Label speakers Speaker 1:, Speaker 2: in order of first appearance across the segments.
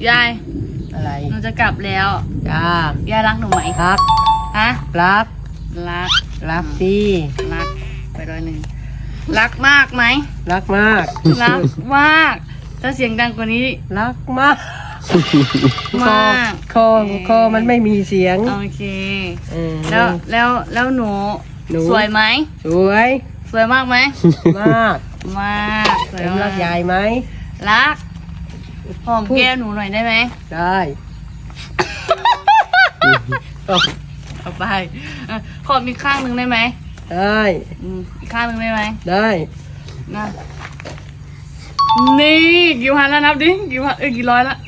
Speaker 1: ยาย
Speaker 2: อะไร
Speaker 1: หนูจะกลับแล้ว
Speaker 2: จ้าย
Speaker 1: ายรักหนูไหม
Speaker 2: รัก
Speaker 1: ฮะ
Speaker 2: รักสิ
Speaker 1: รักไป1รักมากไหม
Speaker 2: รักมาก
Speaker 1: รักมากถ้าเสียงดังกว่านี้
Speaker 2: รักมาก
Speaker 1: มาก
Speaker 2: คอมันไม่มีเสียง
Speaker 1: โอเคแล้วหนูสวยไหม
Speaker 2: สวย
Speaker 1: มากไหม
Speaker 2: มาก
Speaker 1: สวย
Speaker 2: รักยายไหม
Speaker 1: รักหอมแก้มหนูหน่อยได้ไหม
Speaker 2: ได้
Speaker 1: เอาไปขอมีข้างหนึ่งได้ไหม
Speaker 2: ได้
Speaker 1: อีกข้างหนึ่งได้ไหม
Speaker 2: ได้
Speaker 1: นะนี่กี่พันแล้วนับดิกี่ร้อยละ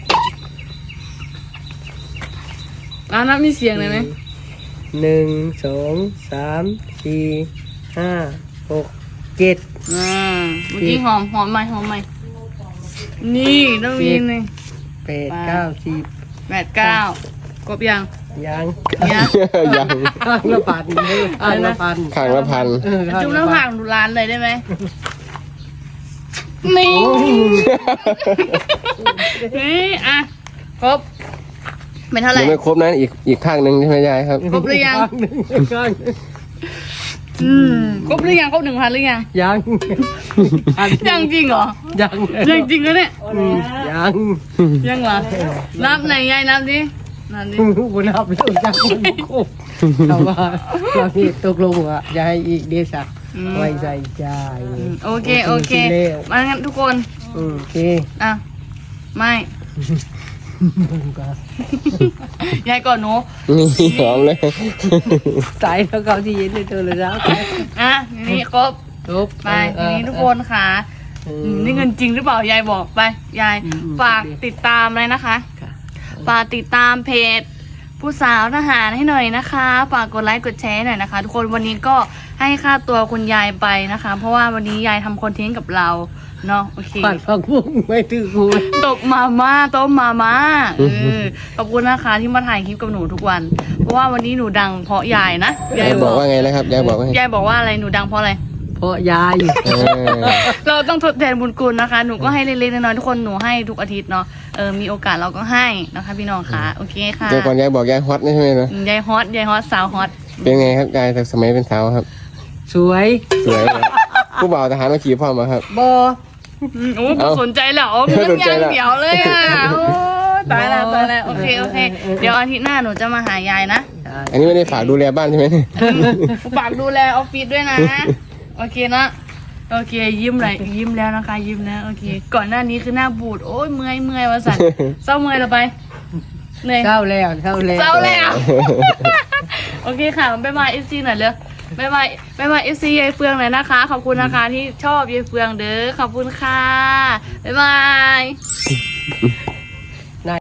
Speaker 1: นับมีเสียงเลยไหม
Speaker 2: 1 2 3 4 5 6 7
Speaker 1: เมื่อกี้หอมไหมนี่ต้องมีหนึ่ง
Speaker 2: 8 9 10
Speaker 1: 8 9กบยัง
Speaker 2: ข้างละพัน
Speaker 1: จุ๊บน้ำผักดูร้านเลยได้ไหมนี่อ่ะครบเป็นเท่าไหร่
Speaker 3: ยังไม่ครบนะอีกข้างหนึ่งใช่ไหมยายครับ
Speaker 1: ครบหรือยังครบหรือยังครบ1,000หรือยังยังจริงเหรอยังจริงเหรอเนี่ยยังเหรอนับไหนยายนับดิ
Speaker 2: กูนับแล้วจังมันครบแต่ว่าเราที่ตกลงอ่ะจะให้อีกเดซ่าไว้ใจใจ
Speaker 1: โอเคมางั้นทุกคน
Speaker 2: โอเค
Speaker 1: ไม่ยายก่อนหนู
Speaker 3: นี่หอมเลย
Speaker 2: ตายแล้วเขาที่เย็นในตัวเลยแล้ว
Speaker 1: นี่ครบไปทีนี้ทุกคนค่ะนี่เงินจริงหรือเปล่ายายบอกไปยายฝากติดตามเลยนะคะฝากติดตามเพจผู้สาวทหารให้หน่อยนะคะฝากกดไลค์กดแชร์หน่อยนะคะทุกคนวันนี้ก็ให้ค่าตัวคุณยายไปนะคะเพราะว่าวันนี้ยายทำคอนเทนต์กับเราเนาะโอเค
Speaker 2: ปัดฟังพุ่งไม่ถือกู
Speaker 1: ตบมาม่าต้มมาม่าขอบคุณนะคะที่มาถ่ายคลิปกับหนูทุกวันเพราะว่าวันนี้หนูดังเพราะยายนะ
Speaker 3: ยายบอกว่าไงนะครับยายบอก
Speaker 1: ว่าอะไรหนูดังเพราะอะไร
Speaker 2: เพราะยาย
Speaker 1: เราต้องทดแทนบุญคุณนะคะหนูก็ให้เล็กๆน้อยๆทุกคนหนูให้ทุกอาทิตย์เนาะมีโอกาสเราก็ให้นะคะพี่น้องค่ะโอเคค่ะ
Speaker 3: เดี๋ยวก่อนยายบอกยายฮอตใช่ไหมนะ
Speaker 1: ยายฮอตสาวฮอต
Speaker 3: เป็นไงครับยายสมัยเป็นสาวครับ
Speaker 2: สวย
Speaker 3: ผู้บ่าวทหารมาขี่พ่อมาครับ
Speaker 2: บอ
Speaker 1: สนใจแล้วมันยังเดี๋ยวเลยอ่ะตายแล้วโอเคเดี๋ยวอาทิตย์หน้าหนูจะมาหายายนะ
Speaker 3: อันนี้ไม่ได้ฝากดูแลบ้านใช่ไหม
Speaker 1: ฝากดูแลออฟฟิศด้วยนะโอเคนะโอเคยิ้มแล้วนะคะยิ้มนะโอเคก่อนหน้านี้คือหน้าบูดโอ้ยเมื่อยวะสันเศร้าเมื่อยเราไปเหนื่อย
Speaker 2: เศร้าแล้ว
Speaker 1: โอเคค่ะบ๊ายบายเอฟซีหน่อยเลยบ๊ายบายเอฟซียายเฟืองหน่อยนะคะขอบคุณนะคะที่ชอบยายเฟืองเด้อขอบคุณค่ะบ๊ายบาย